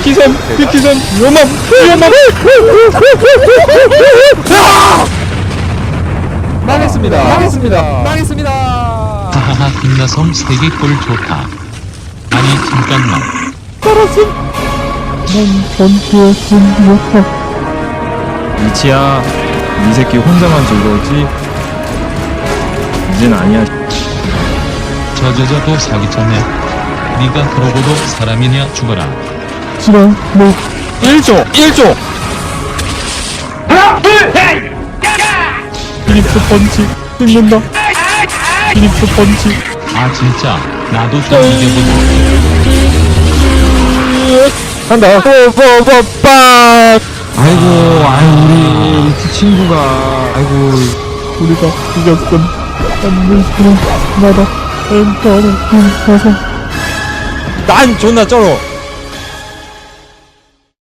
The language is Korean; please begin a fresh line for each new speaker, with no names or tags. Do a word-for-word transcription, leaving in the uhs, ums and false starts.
비키선 비키선 위험함 위험함. 망했습니다. 망했습니다. 망했습니다.
하하하 김나성 세계 꼴 좋다. 아니 잠깐만.
살았음. 난 전투에 승리했다. 이치야, 이 새끼 혼자만 즐거웠지? 이젠 아니야.
저저저도 사기쳤네. 네가 그러고도 사람이냐 죽어라.
싫어, 뭐. 일 조! 일 조! 하나, 둘, 셋! 피립스 펀치 찍는다. 피립스 펀치.
아 진짜 나도 좀 이겨보자.
간다. 뽀뽀뽀빡. 아이고, 아이고, 우리 그 친구가, 아이고, 우리가 이겼군. 안녕하세요. 나다. 엔터를 가서. 난 존나 쩔어.